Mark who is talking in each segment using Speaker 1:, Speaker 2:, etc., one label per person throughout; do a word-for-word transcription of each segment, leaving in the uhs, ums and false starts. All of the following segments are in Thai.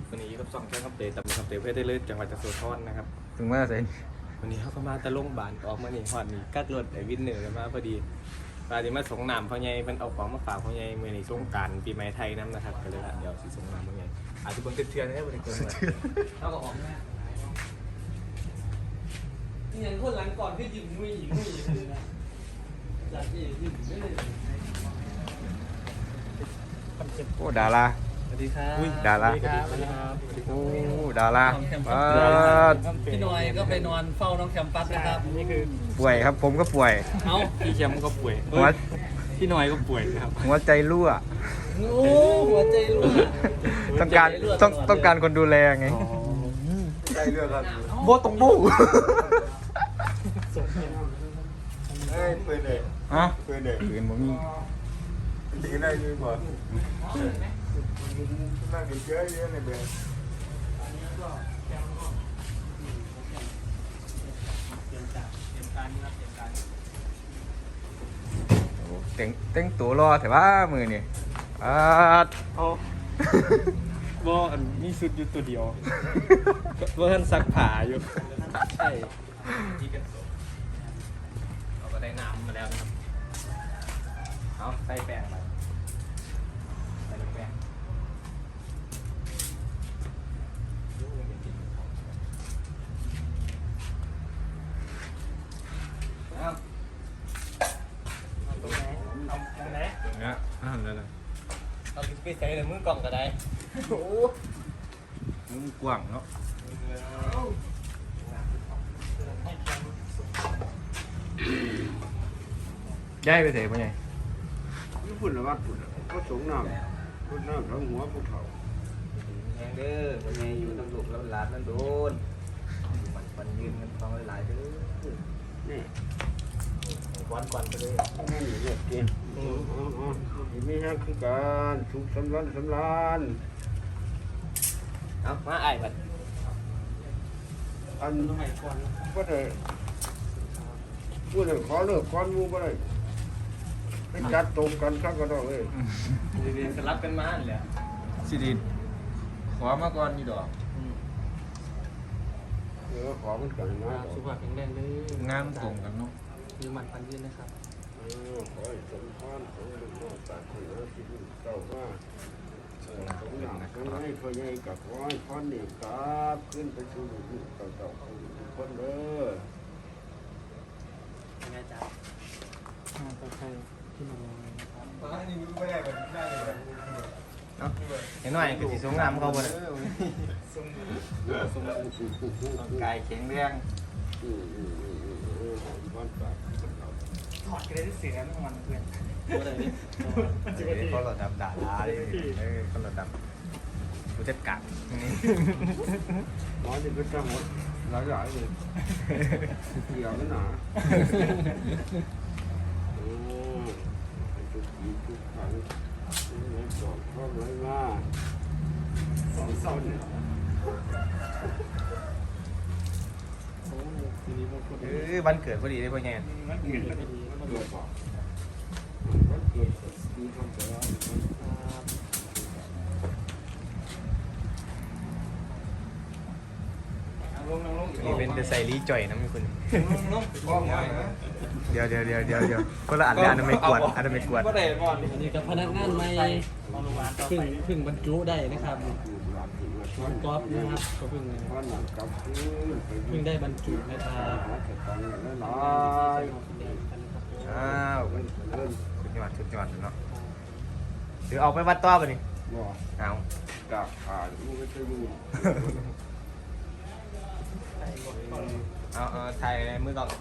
Speaker 1: วันนี้กับสองแค่คำเตยแต่คำเตยเพื่อได้เลือกจังหวัดจันทบุรีนะครับ
Speaker 2: ถึงเมื่อไหร่
Speaker 1: วันนี้เขาก็มาตะลงบานออกมานี่ฮอดนี่กัดรถไอ้วินเนอร์กันมาพอดีปาดีมาส่งน้ำพ่อใหญ่เพิ่นเอาของมาฝากพ่อใหญ่เมื่อนี้สงกรานต์ปีใหม่ไทยน้ำนะครับก็เลยว่าเดี๋ยวสิส่งน้ำพ่อใหญ่อาจจะเบิ่งเทือนๆนะครับบ่ได้เกินเลยเอาก็ออกมานี่ยังคนหลังก่อนคือยิ้มมุ้ยมุ้ยเลยนะจากที่ยิ้มไม่เลย
Speaker 2: โอ้ดารา
Speaker 1: สวัสดีครับ
Speaker 2: อุ้ยดารา
Speaker 1: สวัสดีครับสวัสดีครับ
Speaker 2: โอ้ดาราเออ
Speaker 3: พี่หน่อยก็ไปนอนเฝ้าน้องแคมปัสนะครับนี่คือ
Speaker 2: ป่วยครับผมก็ป่วย
Speaker 1: เอ้าพี่แคมก็ป่วย
Speaker 2: หัว
Speaker 1: พี่น้อยก็ป่วยครับ
Speaker 2: หัวใจรั่ว
Speaker 3: โอ้หัวใจรั่ว
Speaker 2: ต้องการต้องต้องการคนดูแลไง
Speaker 1: ใจเลือดครับ
Speaker 2: โบตกบู้
Speaker 1: เฮ้ยปืนเลย
Speaker 2: ฮะ
Speaker 1: ปืนเลย
Speaker 2: ปืนผมมี
Speaker 1: ยิงได้ยิงบ่น่าจะเยอะเยอะเลยเบล
Speaker 2: เต็งเต็งตัวรอแต่ว่ามือนี่อ่า
Speaker 1: เอาบ่อันมีชุดอยู่ตัวเดียวบ่ทันซักผ้าอยู่ใช่เราก็ได้น้ำมาแล้วนะครับเอาใส่แป้งไปใส่แป้งเอาตรงไหนเอาตรงไหน
Speaker 2: เนี้ยอ่านแล้วนะ
Speaker 1: เอาไปใส่ในมือกล่องก็ได้โอ้
Speaker 2: มันกว้างเนาะย้ายไปเถอะพ่อใหญ่
Speaker 4: ญี่ปุ่นละวัดปุ่นก็สงน้ำพุ่นน้ำทั้งหัวภูเขา
Speaker 1: แหงเด้อวันนี้อยู่ตำรวจแล้วหลานนั่นโดนมันมันยืนกันฟังหลายๆเด้อ
Speaker 4: นี่
Speaker 1: ควันควันไปเลย
Speaker 4: นั่นเรียกเกณฑ์อ๋ออ๋ออ๋อมีแห้งคือการสุขสำรันสำรัน
Speaker 1: เอามาไอ้บัด
Speaker 4: อันก็ได้พูดเลยขอเลิกก้อนมูก็ได้ไปจัดตรงกันข้างกันดอกเลย
Speaker 1: เรียนสลับกันมาเลย
Speaker 2: สิริขอมาก่อนนี่ดอก
Speaker 4: เออขอมันกันนะ
Speaker 1: สุขภาพแข็งแรงเลย
Speaker 2: งามตรงกันเนาะ
Speaker 1: ยืมมันพันยืนนะครับ
Speaker 4: เออขอให้สมพรสมบุญโมตาคุณนะที่ดินเจ้าว่าสมหนักสมให้พ่อใหญ่กับขอให้พ่อนี่กลับขึ้นไปสู่ลูกเจ้าเจ้าทุกคนเด้อ
Speaker 1: ยังไงจ๊ะต่อไปพี่น้องนะครับ
Speaker 2: เห็นหน่อยคือสีสงงามเขาบ่ได้
Speaker 1: ร่างกายแข็งแรง
Speaker 4: อืมอืมอืมอืมอืมบ้านปาก
Speaker 1: ถอดกันได้เสียงทั้งวันเพื่อน
Speaker 2: เขาหลอดดับด่าร้ายเออเขาหลอดดับผู้จัดการ
Speaker 4: หมอที่เป็นจังหวัดหลายหลายเลยเกี่ยวกันหนาโอ้ทุกทีทุกครั้งไม่สอนพ่อไม่มาสอนสอนเนี่ย
Speaker 1: ทีนี้พวกคน
Speaker 2: เออวันเกิดพอดีเลยพ่อใหญ่
Speaker 4: มันเกิดมันเกิดบอกมันเกิดดีทำแต่ว่า
Speaker 1: ลงลงลง
Speaker 2: นี่เป็นเดอะไซรีจ่อยนะมีคน
Speaker 1: ลงลงกล้องไว้
Speaker 2: เดี๋ยวเดี๋ยวเดี๋ยวเดี๋ยวเดี๋ยวคนละอันเลยอันนั้นไม่กวดอันนั้นไม่กวด
Speaker 1: ก็ได้ก่อน
Speaker 3: อันนี้กับพนักงานใหม่เพิ่งเพิ่งบรรจุได้นะครับ
Speaker 4: อยู่หลังถึงมาช
Speaker 3: น้
Speaker 4: ว
Speaker 3: อน งก๊อฟนะครับก็เพิ่ง
Speaker 4: พ่อหนังกับพื้นไป
Speaker 3: เพิ่งได้บรรจุนะครับ
Speaker 4: หาสตังค์แล้วหลาย
Speaker 2: อ้าว
Speaker 4: เงินเงิน
Speaker 2: สุดยอดสุดยอดเนาะหรือเอาไปวัดต่อป่ะนี่
Speaker 4: บ่
Speaker 2: เอา
Speaker 4: จากอ่านลูกก็จะอยู่
Speaker 2: เอาเอาถ่ายมือก่อน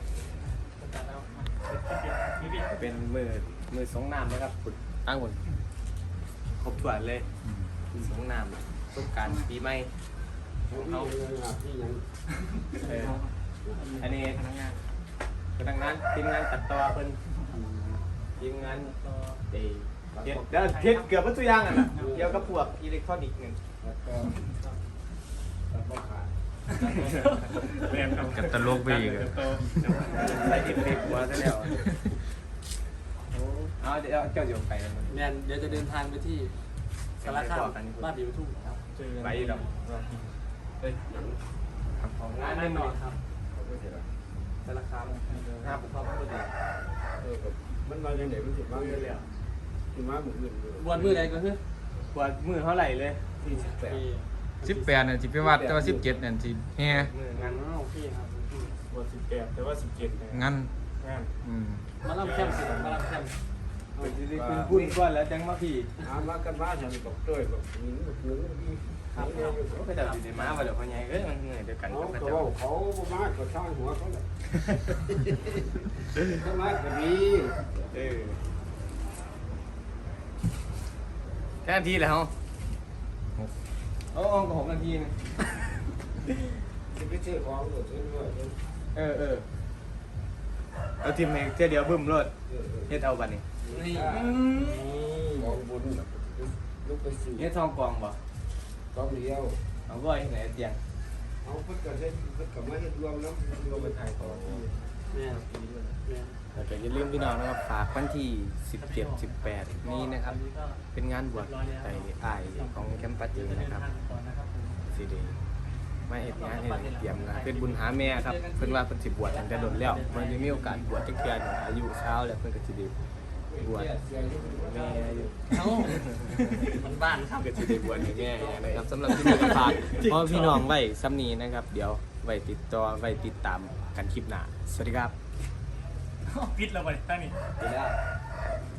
Speaker 1: เป็นมือมือสงน้ำนะครับขุดตั้งบนครบถ้วนเลยสงน้ำสงการปีใหม่
Speaker 4: เอาที่ยัง
Speaker 1: เอออันนี้พนักงานพนักงานทีมงานตัดต่อเพิ่นทีมงานเดย์เฮ็ดเด้อเฮ็ดเกือบหมดทุกอย่างอ่ะนะเกี่ยวกับพวกอิเล็กทรอนิกส์นึง
Speaker 4: แล้วก็ตัดบ่ขาด
Speaker 1: เรียนครับ
Speaker 2: กับตลกไปอีกอะ
Speaker 1: ใส่เอฟเฟกต์มาซะแล้วเอาเดี๋ยวเจ้าเดี๋ยวไปแล้วมัน
Speaker 3: แมนเดี๋ยวจะเดินทางไปที่สารคามบ้านดีทุ่งครับเจอ
Speaker 1: ไปดอกเฮ้ยของงานแน่นอนครับ
Speaker 4: เขาก็เสียละ
Speaker 1: สารคามห้าปุ๊บเข้าพอดี
Speaker 4: เออกับมันมาอย่างไหนมันสิมาอย่างไรสิมาหมู่อื่นเลย
Speaker 3: บวชมือใดก็คือ
Speaker 1: ปวดมือเท่าไหร่เลย
Speaker 4: สี่สิบแปด
Speaker 2: สิบแปดนั่นสิไปวัดแต่ว่าสิบเจ็ดนั่นสิแฮ่
Speaker 1: มืองาน
Speaker 3: อ๋อโอเคครับ
Speaker 1: ปวดสิบแปดแต่ว่าสิบเจ็ด
Speaker 2: งั้น
Speaker 1: งาน
Speaker 2: อืม
Speaker 3: มาลำแคมป์สิมาลำแคมป์
Speaker 1: เป็นที่ได้คุณพูดก่อนแล้วจังมาพี่
Speaker 4: หามากันมาฉันบอกเต้ยบอกหนึ่งหนึ่งที่
Speaker 1: ครับก็ไปเดาดีมาว่าเดี๋ยวพ่อใหญ่เอ้ยมันเหนื่อยเดียวกัน
Speaker 4: เขา
Speaker 1: ก็
Speaker 4: ก็
Speaker 1: จะ
Speaker 4: บอกเขาบ่มากก็ช่างหัวเขาแหละเขามากก็ดี
Speaker 1: เออแค่นาทีแล้วโอ้ก็หกนาทีนึง
Speaker 4: จะไปซื้อของก็ซื้อด้วย
Speaker 1: เออเออเอาทีมเองเดียวบึ้มรถ
Speaker 4: เออ
Speaker 1: เฮ็ดเอาบัดนี้
Speaker 3: นี่
Speaker 4: ของบุญลูกไปซื้อ
Speaker 1: เฮ็ดทองกองบ่
Speaker 4: กองเดียว
Speaker 1: เอาบ่อยไหนเตียง
Speaker 4: เอาเพิ่นก็เฮ็ดเพิ่นก็มาเฮ็ดรวมแล้วรวมไปถ่ายต่อที่
Speaker 3: แม่แม่
Speaker 1: แล้วก็อย่าลืมพี่น้องนะครับฝากวันที่สิบเจ็ด สิบแปดนี้นะครับ เป็นงานบวชไอ้อ้ายของแคมปัสเจนะครับสิเดมาเฮ็ดงานให้เตรียมงานเป็นบุญหาแม่ครับเพิ่นว่าเพิ่นสิบวชตั้งแต่โดนแล้วมันจะมีโอกาสบวชจักเทื่อหนึ่งอายุเช้าแล้วเพิ่นก็สิได้บวชแม่อยู่
Speaker 3: เอ้ามันบ้านครับ
Speaker 1: ก็สิได้บวชให้แม่นะครับสำหรับที่นี่ก็ฝากพ่อพี่น้องไว้ซ้ำนี้นะครับ เดี๋ยวไว้ติดต่อไว้ติดตามกันคลิปหน้าสวัสดีครับ
Speaker 3: ปิดแล้วไปตั้งนี่
Speaker 1: สวัสดีครับ